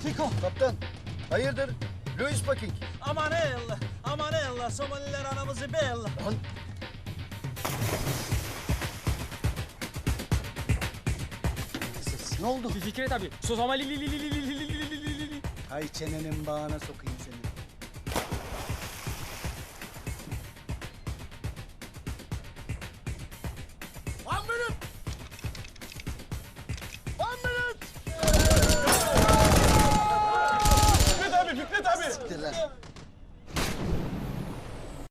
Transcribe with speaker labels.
Speaker 1: Fiko.
Speaker 2: Kaptan, hayırdır? Louis Bucking.
Speaker 1: Aman ey Allah. Aman ey Allah. Somaliler anamızı be Allah.
Speaker 2: Lan. Ses, ne oldu?
Speaker 3: Fikret abi. Somali.
Speaker 2: Hay çenenin bağına sokayım seni. One minute! One minute!
Speaker 3: Fikret abi, Fikret abi.
Speaker 2: Siktir lan.